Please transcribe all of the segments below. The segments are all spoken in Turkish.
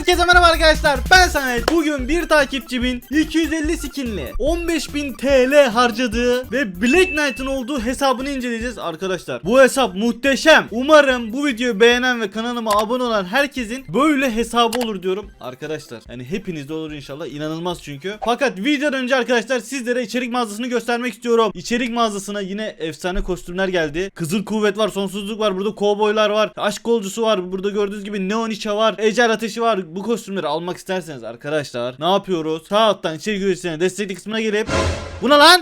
Herkese merhaba arkadaşlar, ben Samet. Bugün bir takipçimin 250 skinli 15.000 TL harcadığı ve Black Knight'ın olduğu hesabını inceleyeceğiz arkadaşlar. Bu hesap muhteşem. Umarım bu videoyu beğenen ve kanalıma abone olan herkesin böyle hesabı olur diyorum arkadaşlar. Yani hepinizde olur inşallah, inanılmaz çünkü. Fakat videodan önce arkadaşlar sizlere içerik mağazasını göstermek istiyorum. İçerik mağazasına yine efsane kostümler geldi. Kızıl kuvvet var, sonsuzluk var, burada kovboylar var, aşk golcusu var, burada gördüğünüz gibi neon içe var, ecel ateşi var. Bu kostümleri almak isterseniz arkadaşlar ne yapıyoruz? Sağ alttan içerik üreticilerine destekli kısmına gelip buna lan.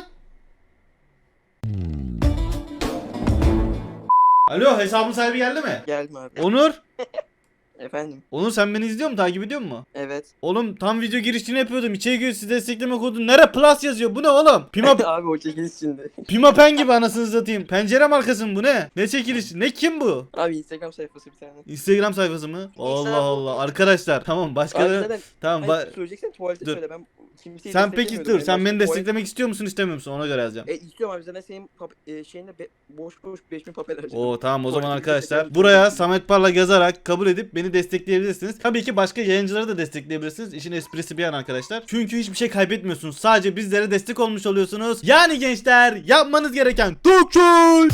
Alo, hesabın sahibi geldi mi? Gelme abi. Onur. Efendim. Onur, sen beni izliyor musun? Takip ediyor musun? Evet. Oğlum tam video girişini yapıyordum. İçerik üreticisi destekleme kodu nere plus yazıyor. Bu ne oğlum? Abi o çekiliş şimdi. Pimapen gibi anasını satayım. Pencere markası mı bu ne? Ne çekilişi? Ne, kim bu? Abi Instagram sayfası bir tane. Instagram sayfası mı? Allah Instagram Allah. Arkadaşlar tamam, Abi başkaları zaten tamam. söyleyeceksen tuvalete Dur. söyle, ben kimseyi Sen peki desteklemiyorum. dur. En Sen başta beni tuvalet- desteklemek istiyor musun, istemiyor musun? Ona göre yazacağım. İstiyorum abi, zaten senin şeyinde boş 5000 papel harcadım. Oo tamam, o zaman Tuvalete arkadaşlar desteklemek buraya istiyorum. Samet Parlak yazarak kabul edip beni destekleyebilirsiniz. Tabii ki başka yayıncıları da destekleyebilirsiniz. İşin esprisi bir yana arkadaşlar. Çünkü hiçbir şey kaybetmiyorsunuz. Sadece bizlere destek olmuş oluyorsunuz. Yani gençler, yapmanız gereken Dokçul.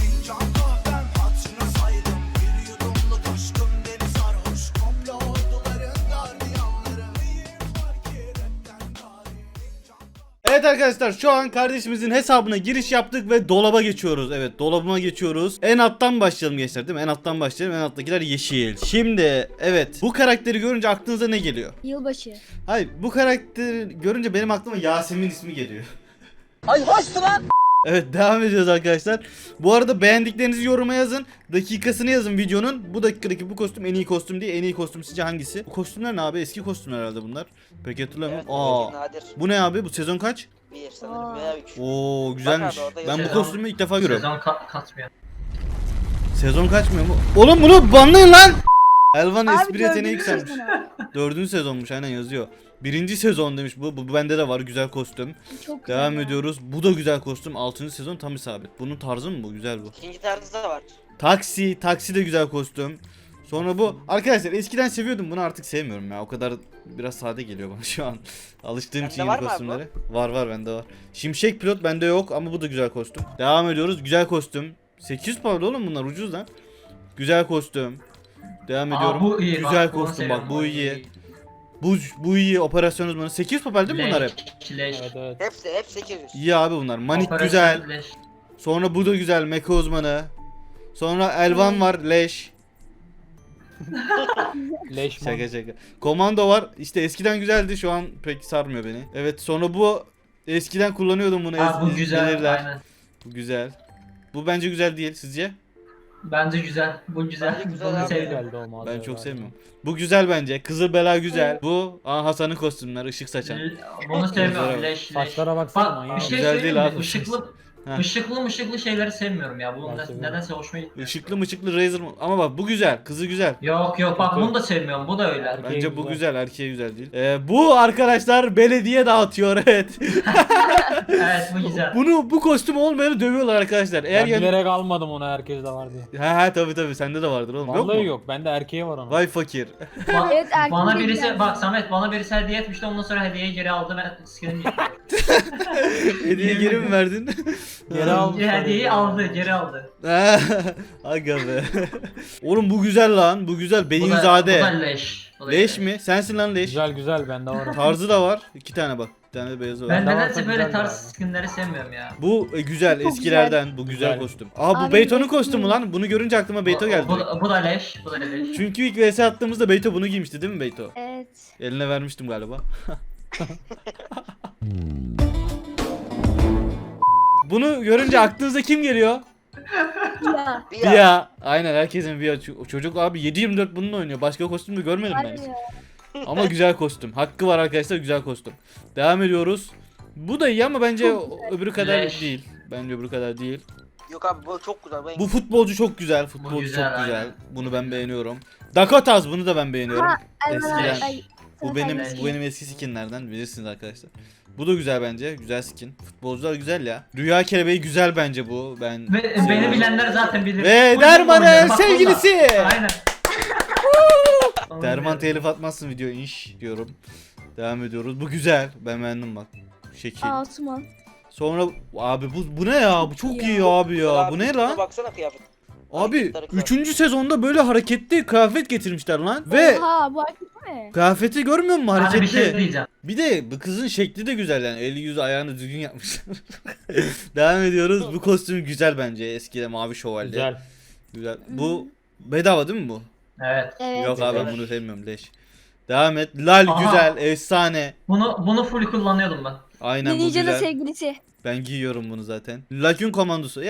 Evet arkadaşlar, şu an kardeşimizin hesabına giriş yaptık ve dolaba geçiyoruz. Evet, dolabıma geçiyoruz. En alttan başlayalım gençler, değil mi? En alttan başlayalım. En alttakiler yeşil. Şimdi evet, bu karakteri görünce aklınıza ne geliyor? Yılbaşı. Hayır, bu karakteri görünce benim aklıma Yasemin ismi geliyor. Ay hoştu lan. Evet, devam ediyoruz arkadaşlar. Bu arada beğendiklerinizi yoruma yazın. Dakikasını yazın videonun. Bu dakikadaki bu kostüm en iyi kostüm değil. En iyi kostüm sizce hangisi? Bu kostümler ne abi? Eski kostümler herhalde bunlar. Peki hatırlamıyorum. Evet, Aa, nadir. bu ne abi? Bu sezon kaç? Bir sanırım veya 3. Oo güzelmiş. Bak abi, orada Ben bu yazıyor. kostümü ilk defa görüyorum. Sezon katmıyor. Sezon kaçmıyor mu? Oğlum bunu banlayın lan. Elvan espri yeteneği dördüncü yükselmiş. sezon. 4. sezonmuş, aynen yazıyor. 1. sezon demiş bu. Bu bende de var, güzel kostüm. Çok güzel Devam ya. ediyoruz. Bu da güzel kostüm. 6. sezon tam isabet. Bunun tarzı mı bu? Güzel bu. İkinci tarzı da var. Taksi de güzel kostüm. Sonra bu. Arkadaşlar eskiden seviyordum, bunu artık sevmiyorum ya. O kadar biraz sade geliyor bana şu an. Alıştığım Bende için var yeni mı abi kostümlere. Var bende var. Şimşek pilot bende yok ama bu da güzel kostüm. Devam ediyoruz. Güzel kostüm. 800 pound oğlum, bunlar ucuz lan. Güzel kostüm. Devam ediyorum. Bu iyi. Güzel bak, bunu kostüm bak, seviyorum, bu iyi. Bu iyi, operasyon uzmanı. 800 papel değil mi bunlar hep? Leş. Hep 800. İyi abi bunlar. Manik Operasyon güzel. leş. Sonra bu da güzel, mecha uzmanı. Sonra Elvan var, leş. Leşman. Şaka. Komando var. İşte eskiden güzeldi, şu an pek sarmıyor beni. Evet, sonra bu eskiden kullanıyordum bunu. Ha bu güzel. bilirler. Aynen. Bu güzel. Bu bence güzel değil, sizce? Bence güzel. Bu güzel. Bence güzel Bunu abi. sevdim. Geldi o mağazaya Ben çok galiba. sevmiyorum. Bu güzel bence. Kızıl bela güzel. Bu Hasan'ın kostümler, ışık saçan. Bunu sevmiyorum. Güzel. Leş. Saçlara baksana Bak manyak. bir şey Güzel söyleyeyim değil mi? abi. Işıklı, Heh. ışıklı şeyleri sevmiyorum ya. Bu Ben seviyorum. nedense hoşuma gitti. Işıklı Razer mı? Ama bak bu güzel. Kızı güzel. Yok bak bunu da sevmiyorum. Bu da öyle. Erkeğe Bence bu güzel. güzel, erkeğe güzel değil. Bu arkadaşlar belediye dağıtıyor, evet. Evet bu güzel. Bu kostüm olmayanı dövüyorlar arkadaşlar. Eğer Ben yani... bilerek almadım onu, herkes de var diye. Ha tabii sende de vardır oğlum. Vallahi yok mu? yok. Bende erkeğe var onun. Vay fakir. Evet, erkeğe Bana de birisi güzel. bak Samet bana birisi hediye etmişti, ondan sonra hediyeyi geri aldı, ben skin'ini Hediye geri mi verdin? Geri aldım. hediyeyi aldı, geri aldı. Aga be. Oğlum bu güzel lan. Bu güzel. Bu da Beyinzade. leş. Bu da Leş mi? Sensin lan leş. Güzel bende var o. Tarzı da var. 2 tane bak. Bir tane de beyazı var. Ben Bende nedense varsa böyle güzel tarz yani. skinleri sevmiyorum ya. Bu güzel. Çok Eskilerden. Bu güzel Güzel. kostüm. Aa bu Abi, Beyto'nun Beyto kostümü mu? lan. Bunu görünce aklıma Beyto geldi. Bu da leş. Bu da leş. Çünkü ilk vs attığımızda Beyto bunu giymişti değil mi Beyto? Evet. Eline vermiştim galiba. Bunu görünce aklınıza kim geliyor? Ya. Bir ya. Via. Aynen, herkesin Via. Çocuk abi 7/24 bununla oynuyor. Başka kostüm de görmedim ben. Harbi ya. Ama güzel kostüm. Hakkı var arkadaşlar, güzel kostüm. Devam ediyoruz. Bu da iyi ama bence Çok öbürü kadar Leş. değil. Bence öbürü kadar değil. Yok abi bu çok güzel. Bu futbolcu çok güzel. Futbolcu güzel, çok güzel. aynen. Bunu ben beğeniyorum. Dakotas, bunu da ben beğeniyorum. Ha, Eskiden. Elvan, ay, Bu benim Leş. bu benim eski skinlerden, bilirsiniz arkadaşlar. Bu da güzel bence. Güzel skin. Futbolcular güzel ya. Rüya kelebeği güzel bence bu. Ben Ve beni bilenler zaten bilir. Ve Bu Derman'ın oynuyor, bak sevgilisi. burada. Aynen. Derman telif atmazsın video inş diyorum. Devam ediyoruz. Bu güzel. Ben beğendim bak. Şekil. Asuman. Sonra abi bu ne ya? Bu çok iyi abi ya. Bu ne lan? Baksana kıyafet. Abi Hareketler, 3. sezonda böyle hareketli kıyafet getirmişler lan. Ve Oha bu hareket mi? kıyafeti görmüyor musun Hadi bir hareketli? şey diyeceğim. Bir de bu kızın şekli de güzel yani. Eli yüzü ayağını düzgün yapmışlar. Devam ediyoruz. Bu kostüm güzel bence. Eskide mavi şövalye. Güzel. Güzel. Bu bedava değil mi bu? Evet. Evet. Yok abi ben Evet. bunu sevmiyorum leş. Devam et. Lal Aha. güzel, efsane. Bunu full kullanıyordum ben. Aynen bu Ninja'nın güzel. sevgilisi. Ben giyiyorum bunu zaten. Lakün komandosu.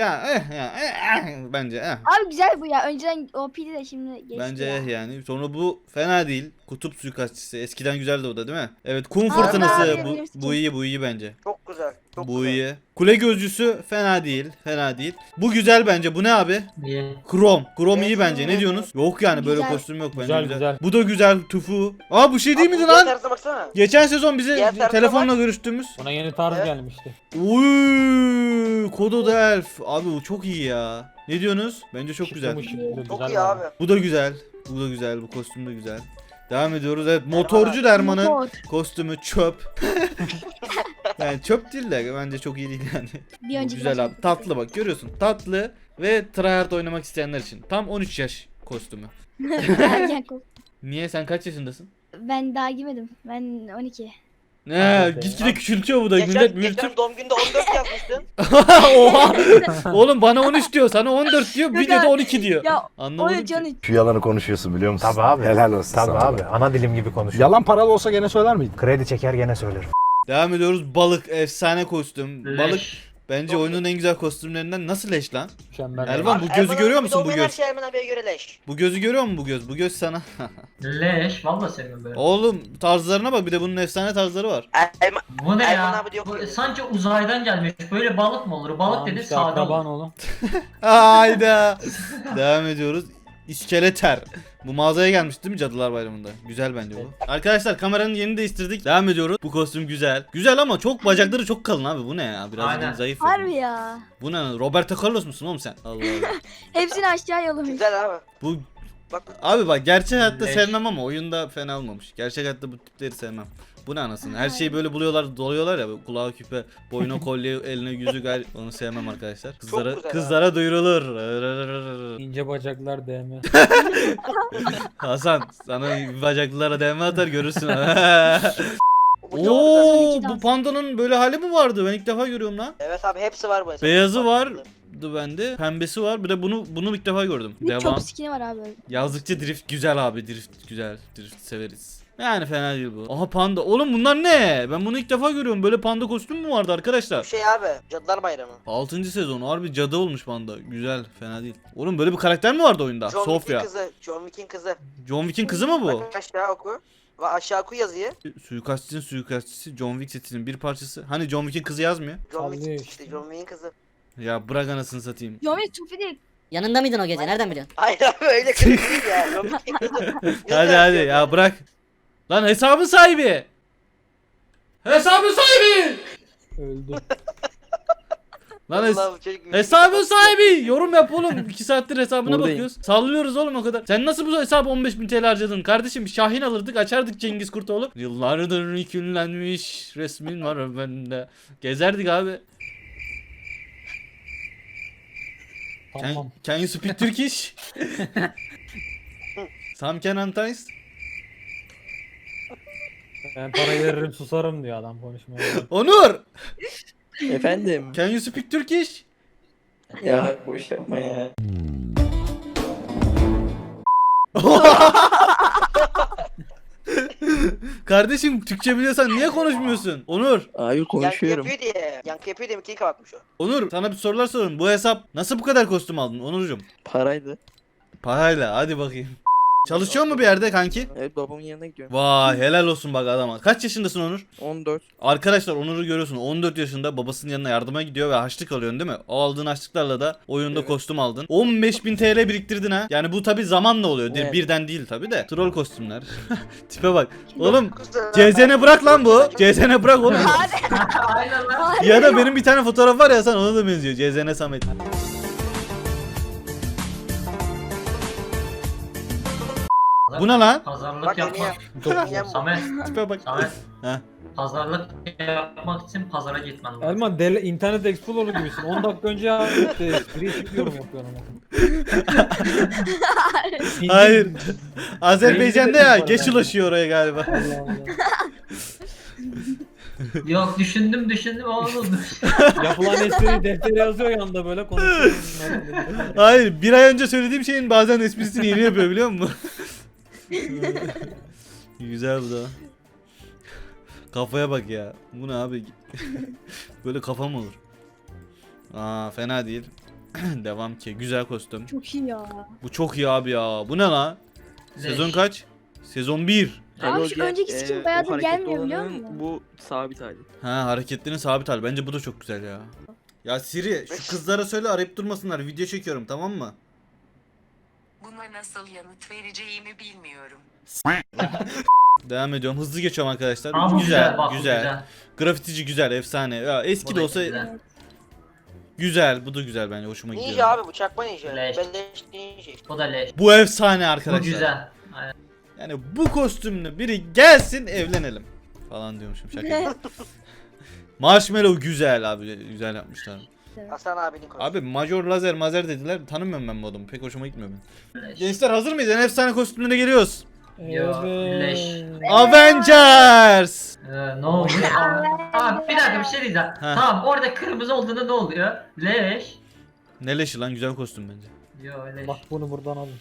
Bence Abi güzel bu ya. Önceden OP'di de şimdi geçti Bence ya. yani. Sonra bu fena değil. Kutup suikastçısı. Eskiden güzeldi o da değil mi? Evet, kum Abi, fırtınası. abi, Bu, benim bu iyi bence. Çok güzel. Çok Bu güzel. iyi. Kule gözcüsü fena değil. Fena değil. Bu güzel bence. Bu ne abi? İyi. Krom. Krom iyi Evet, bence. Ne evet. diyorsunuz? Yok yani böyle Güzel. kostüm yok bence. Güzel, Güzel. güzel. Bu da güzel. Tufu. Aa bu şey değil Abi, miydi bu lan? tarzına baksana. Geçen sezon bize Diğer tarafa telefonla görüştüğümüz. Buna yeni tarz Evet. gelmişti. Uy, Kodo Delf. Abi bu çok iyi ya. Ne diyorsunuz? Bence çok güzel. Şıkkı mı şıkkı, Çok güzel iyi abi. Bu da güzel. Bu da güzel. Bu kostüm de güzel. Devam ediyoruz. Evet, motorcu Derman'ın Motor. kostümü çöp. Yani çöp değil de bence çok iyi değil yani. Bir Bu önceki güzel maçta- abi. Tatlı bak görüyorsun. Tatlı ve tryhard oynamak isteyenler için. Tam 13 yaş kostümü. Ergen kol. Niye sen kaç yaşındasın? Ben daha girmedim. Ben 12. Ne gitgide küçültüyor bu da millet Geçen büyütür. doğum günde 14 yazmıştın. Oha. Oğlum bana 13 diyor, sana 14 diyor, videoda 12 diyor. Ya Anlamadım 13 ki. 13. Şu yalanı konuşuyorsun biliyor musun? Tabii abi. Helal olsun Tabii sana. abi. Ana dilim gibi konuşuyor. Yalan paralı olsa gene söyler miydin? Kredi çeker gene söylerim. Devam ediyoruz. Balık efsane kostüm. Balık Leş. bence Çok oyunun en güzel kostümlerinden. Nasıl leş lan? Mükemmel. Elvan, bu Erman gözü abi görüyor bir musun, bu doğum göz? Her şey Erman abiye göre leş. Bu gözü görüyor musun bu göz? Bu göz sana. Leş. Valla seviyorum böyle. Oğlum tarzlarına bak, bir de bunun efsane tarzları var. Erman, Bu ne Erman ya? abi diyor Bu ki- sanki uzaydan gelmiş. Böyle balık mı olur? Balık dedi işte sade akraban olur. oğlum. Hayda. Devam ediyoruz. İskeleter. Bu mağazaya gelmiş değil mi Cadılar Bayramı'nda? Güzel bence bu. Arkadaşlar kameranın yerini değiştirdik. Devam ediyoruz. Bu kostüm güzel. Güzel ama çok bacakları çok kalın abi. Bu ne ya? Biraz Aynen. zayıf. Harbi ya. Bu ne? Roberto Carlos musun oğlum sen? Allah Allah. Hepsini aşağı yollamış. Güzel abi. Bu Bak abi bak, gerçek hayatta Leş. sevmem ama oyunda fena olmamış. Gerçek hayatta bu tipleri sevmem. Bu ne anasını? Her şeyi böyle buluyorlar, doluyorlar ya. Böyle kulağa küpe, boyuna kolye, eline yüzük. Onu sevmem arkadaşlar. Kızlara güzel kızlara duyurulur. İnce bacaklar DM. Hasan sana bacaklılara değme atar görürsün. bu çok güzel. Oo, güzel. bu pandanın böyle hali mi vardı? Ben ilk defa görüyorum lan. Evet abi hepsi var bu hesapta. Beyazı vardı bende, pembesi var. Bir de bunu ilk defa gördüm. Bir Devam. çok skin'i var abi. Yazdıkça drift güzel abi. Drift güzel. Drift severiz. Yani fena değil bu. Aha panda. Oğlum bunlar ne? Ben bunu ilk defa görüyorum. Böyle panda kostüm mü vardı Bu arkadaşlar? şey abi Cadılar Bayramı. 6. sezon. Harbi cadı olmuş panda. Güzel. Fena değil. Oğlum böyle bir karakter mi vardı oyunda? John Wick'in Sofya. kızı. John Wick'in kızı. John Wick'in kızı mı bu? Bak aşağı oku. Ve aşağı oku yazıyı. Suikastçının suikastçısı John Wick setinin bir parçası. Hani John Wick'in kızı yazmıyor? John Sallıyor Wick işte. işte John Wick'in kızı. Ya bırak anasını satayım. Yomi Tufi değil. Yanında mıydın o gece? Nereden biliyorsun? Hayır abi öyle kızı değil ya. John Wick'in kızı. Hadi ya bırak. Lan hesabın sahibi. Hesabın sahibi. Öldü. Lan Allah'ım, çocuk- hesabın sahibi. Yorum yap oğlum. 2 saattir hesabına Buradayım. bakıyoruz. Sallıyoruz oğlum o kadar. Sen nasıl bu hesabı 15.000 TL harcadın? Kardeşim Şahin alırdık, açardık Cengiz Kurtoğlu. Yıllardır yükünlenmiş resmin var bende. Gezerdik abi. Tamam. Can you speak Turkish? Sam can antais? Ben parayı veririm susarım diyor adam konuşmaya. Onur! Efendim. Can you speak Turkish? Ya boş yapma ya. Kardeşim Türkçe biliyorsan niye konuşmuyorsun? Onur! Abi Yankı konuşuyorum. yapıyor diye. Yankı yapıyor diye mikiyi kapatmış o. Onur sana bir sorular sorayım. Bu hesap nasıl bu kadar kostüm aldın Onurcuğum? Paraydı. Parayla hadi bakayım. Çalışıyor mu bir yerde kanki? Evet babamın yanına gidiyorum. Vay helal olsun bak adama. Kaç yaşındasın Onur? 14. Arkadaşlar Onur'u görüyorsun. 14 yaşında babasının yanına yardıma gidiyor ve harçlık alıyorsun değil mi? O aldığın harçlıklarla da oyunda Evet. kostüm aldın. 15.000 TL biriktirdin ha. Yani bu tabi zamanla oluyor. Evet. Birden değil tabi de. Troll kostümler. Tipe bak. Oğlum Güzel. CZN bırak lan bu. CZN bırak oğlum. Aynen lan. Ya da benim bir tane fotoğraf var ya, sen ona da benziyor. CZN Samet. Bu ne lan? Pazarlık Bak yapmak. yeni Samet. Tipe bak. Samet. Heh. Pazarlık yapmak için pazara gitmen lazım. Elman internet explorer gibisin. 10 dakika önce yaptı. Espriyi şimdi yorum yapıyorum. Hayır. Azerbaycan'da ya Beyninde geç ulaşıyor oraya galiba. Allah Allah. Yok düşündüm oğlum. Yapılan espriyi deftere yazıyor yanında böyle konuşuyor. Hayır, bir ay önce söylediğim şeyin bazen esprisini yeni yapıyor biliyor musun? Güzel bu da. Kafaya bak ya. Bu ne abi? Böyle kafa mı olur? Aa, fena değil. Devam ki. Güzel kostüm. Çok iyi ya. Bu çok iyi abi ya. Bu ne lan? Sezon kaç? Sezon 1. Abi şu önceki skin bayağıdır o hareketli gelmiyor biliyor olanın musun? Bu sabit hali. Ha, hareketlerin sabit hali. Bence bu da çok güzel ya. Ya Siri, şu kızlara söyle arayıp durmasınlar. Video çekiyorum, tamam mı? Buna nasıl yanıt vereceğimi bilmiyorum. Devam ediyorum. Hızlı geçiyorum arkadaşlar. Aa, bu güzel, bak, bu güzel. Grafitici güzel, efsane. Ya eski Bu de da olsa güzel. güzel. Bu da güzel bence. Hoşuma gidiyor. Ninja abi bu çakma ninja. Leş. Beleş ninja. Bu da leş. Bu efsane Bu arkadaşlar. güzel. Aynen. Yani bu kostümlü biri gelsin evlenelim. Falan diyormuşum şaka. Marshmallow güzel abi. Güzel yapmışlar. Hasan abinin konusu. Abi Major Lazer Mazer dediler. Tanımıyorum ben bu adamı. Pek hoşuma gitmiyor benim. Leş. Gençler hazır mıyız? En efsane kostümlere geliyoruz. Yo, leş. Avengers. Ne oluyor? Abi bir dakika bir şey diyeceğim. Ha. Tamam orada kırmızı olduğunda ne oluyor? Leş. Ne leşi lan, güzel kostüm bence. Yo leş. Bak bunu buradan alın.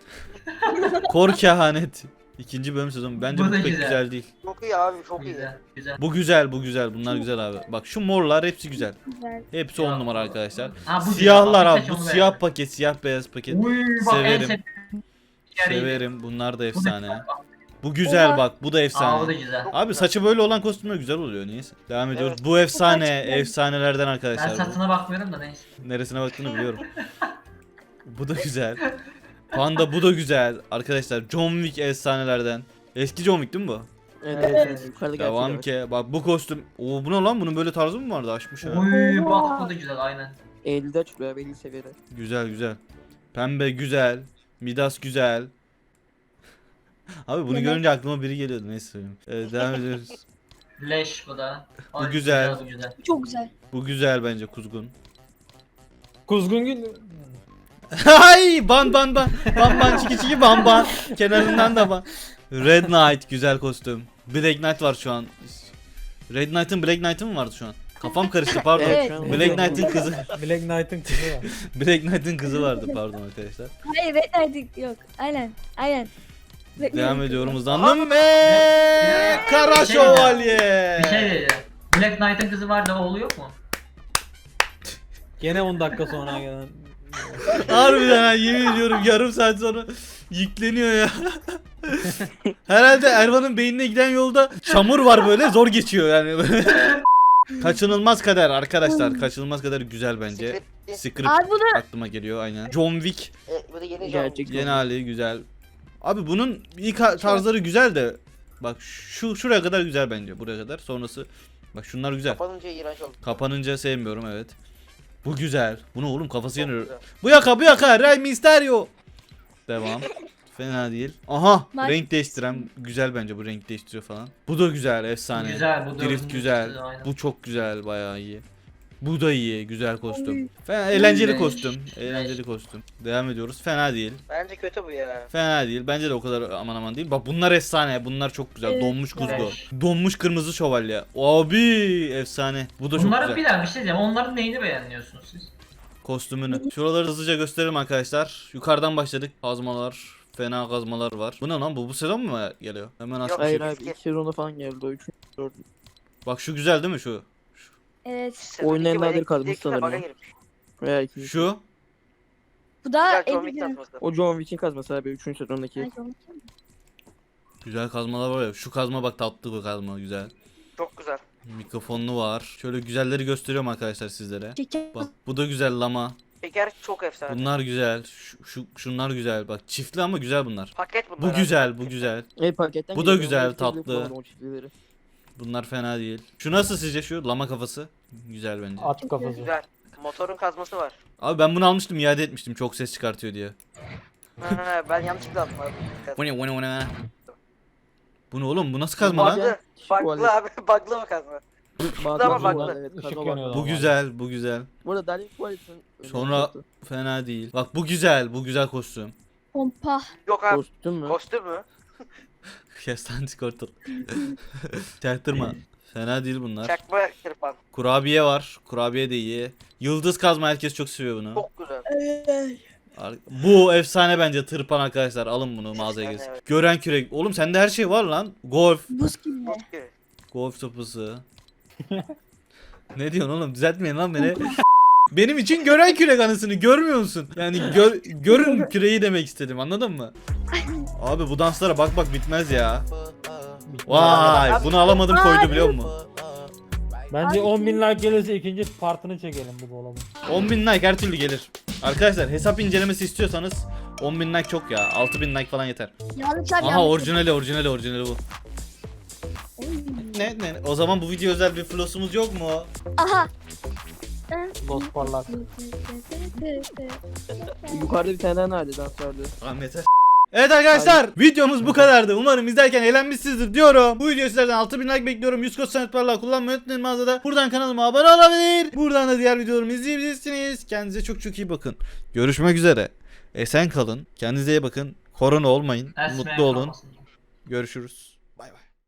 Kor kehanet. İkinci bölüm sezonu. Bence Bu bu da pek güzel. güzel değil. Çok iyi abi çok iyi. Güzel. Güzel. Bu güzel, bu güzel. Bunlar güzel abi. Bak şu morlar hepsi güzel. Güzel. Hepsi 10 numara arkadaşlar. Ha, bu Siyahlar güzel. abi. Birkaç Bu onu siyah beğendim. paket, siyah beyaz paket. Uy bak en Severim. sevdiğim yeri. Severim. Bunlar da Bu da efsane. güzel bak. Bu güzel Oha. bak. Bu da Aa bu da efsane. güzel. Abi saçı böyle olan kostümler güzel oluyor. Niyeyse. Devam ediyoruz. Evet. Bu efsane. gerçekten. Efsanelerden Ben arkadaşlar. bu. satına bakmıyorum da neyse. Neresine baktığını biliyorum. Bu da güzel. Panda bu da güzel. Arkadaşlar John Wick efsanelerden. Eski John Wick değil mi bu? Evet. Yukarıda Devam gerçek. ki. Bak bu kostüm. Oo, bu ne lan? Bunun böyle tarzı mı vardı? Açmış ha. Uy bak bu da güzel aynen. Eylül'de açılıyor belli seviyede. Güzel güzel. Pembe güzel. Midas güzel. Abi bunu Evet. görünce aklıma biri geliyordu. Neyse söyleyeyim. Devam ediyoruz. Leş bu da. Bu Ay, güzel. Bu güzel. Çok güzel. Bu güzel bence kuzgun. Kuzgun gül. Hay ban ban ban. Ban ban çiki çiki ban ban. Kenarından da ban. Red Knight güzel kostüm. Black Knight var şu an. Red Knight'ın Black Knight'ın mı vardı şu an? Kafam karıştı pardon. Evet. şu an- Black Knight'ın kızı. Black Knight'ın kızı var. Black Knight'ın kızı vardı pardon arkadaşlar. Hayır Red yok. Aynen. Aynen. Devam ediyorum hızlandım. Kara Şövalye. Bir şey diyeceğim. Black Knight'ın kızı var da oğlu yok mu? Gene 10 dakika sonra gelen. Harbiden ha, yemin ediyorum yarım saat sonra yükleniyor ya. Herhalde Ervan'ın beynine giden yolda çamur var böyle zor geçiyor yani. Kaçınılmaz kader arkadaşlar. Kaçınılmaz kader güzel bence. Script Abi bu da aklıma geliyor aynen. John Wick Bu da yeni John. Gerçek. yeni hali güzel. Abi bunun ilk tarzları güzel de bak şuraya kadar güzel bence. Buraya kadar sonrası bak şunlar güzel. Kapanınca iğrenç oldu. Kapanınca sevmiyorum evet. Bu güzel. Bu ne oğlum kafası Çok yanıyor. güzel. Bu yaka Rey Mysterio. Devam. Fena değil. Aha Bak. renk değiştiren güzel bence bu renk değiştiriyor falan. Bu da güzel efsane. Güzel, bu da Drift bunun güzel. üstü, aynen. Bu çok güzel bayağı iyi. Bu da iyi güzel kostüm. Fena eğlenceli Leş, kostüm. leş. Eğlenceli kostüm. Devam ediyoruz. Fena değil. Bence kötü bu ya. Fena değil. Bence de o kadar aman aman değil. Bak bunlar efsane. Bunlar çok güzel. Evet, Donmuş kuzgu. leş. Donmuş kırmızı şövalye. Abi efsane. Bu da çok Bunların güzel. bir daha bir şey diyeceğim. Onların neyini beğeniyorsunuz siz? Kostümünü. Şuraları hızlıca gösterelim arkadaşlar. Yukarıdan başladık. Kazmalar, fena kazmalar var. Bu ne lan? Bu sezon mu geliyor? Hemen aç. Yok. Hayır Eski. abi ilk sezonda falan geldi o 3. 4. Bak şu güzel değil mi şu? evet. Sezon Oyunun en iki nadir böyle kadını ilk defa sanırım ya. girmiş. Veya 2. Şu. Bu da Güzel John Wick Edison. tasması. O John Wick'in kazması abi 3. sezondaki. Ay, John Wick. Güzel kazmalar var ya. Şu kazma bak tatlı bu kazma güzel. Çok güzel. Mikrofonlu var. Şöyle güzelleri gösteriyorum arkadaşlar sizlere. Şeker. Bak bu da güzel lama. Şeker çok efsane. Bunlar güzel. Şunlar güzel. Bak çiftli ama güzel bunlar. Paket bunlar. Bu güzel, bu güzel. Paketten Bu da geliyor, güzel, onu hepsini tatlı. kullandım, o çiftlileri. Bunlar fena değil. Şu nasıl sizce şu lama kafası? Güzel bence. At kafası. Güzel. Motorun kazması var. Abi ben bunu almıştım iade etmiştim çok ses çıkartıyor diye. Ha, ben yanlışlıkla aldım abi. Bu ne bu ne bu ne? Bu ne oğlum? Bu nasıl kazma lan? Bug'lı abi. Bug'lı mı kazma? Ama baklı. Evet, Işık kazma yanıyor. baklı. Bu güzel, bu güzel. Bu arada Darling Qualit'in Sonra fena değil. Bak bu güzel, bu güzel kostüm. Pompa. Yok abi. kostüm mü? Kostüm mü? Kestan Squirtle. Çaktırma. Fena değil bunlar. Çakma kırpan. Kurabiye var. Kurabiye de iyi. Yıldız kazma herkes çok seviyor bunu. Çok güzel. Bu efsane bence tırpan arkadaşlar. Alın bunu mağazaya Efsane, gez. evet. Gören kürek. Oğlum sende her şey var lan. Golf. Buz gibi. Çok iyi. Golf topusu. Ne diyorsun oğlum? Düzeltmeyin lan beni. Benim için gören kürek anısını görmüyor musun? Yani görün küreği demek istedim, anladın mı? Abi bu danslara bak bak bitmez ya. Vay, bunu alamadım koydu biliyor musun? Bence 10.000 like gelirse ikinci partını çekelim bu dolabın. 10.000 like her türlü gelir. Arkadaşlar hesap incelemesi istiyorsanız 10.000 like çok ya. 6.000 like falan yeter. Yanlış abi. Aha yanlış. orijinali bu. Oy. Ne? O zaman bu video özel bir flossumuz yok mu? Aha. Lost parlak. Yukarıda bir tane daha nerede dans vardı? Tamam yeter. Evet arkadaşlar videomuz bu kadardı. Umarım izlerken eğlenmişsinizdir diyorum. Bu video sizlerden 6000 like bekliyorum. 100 kod Samet Parlak kullanmayı unutmayın mağazada. Buradan kanalıma abone olabilir. Buradan da diğer videolarımı izleyebilirsiniz. Kendinize çok çok iyi bakın. Görüşmek üzere. Esen kalın. Kendinize iyi bakın. Korona olmayın. Esme Mutlu olun. kalmasın. Görüşürüz. Bay bay.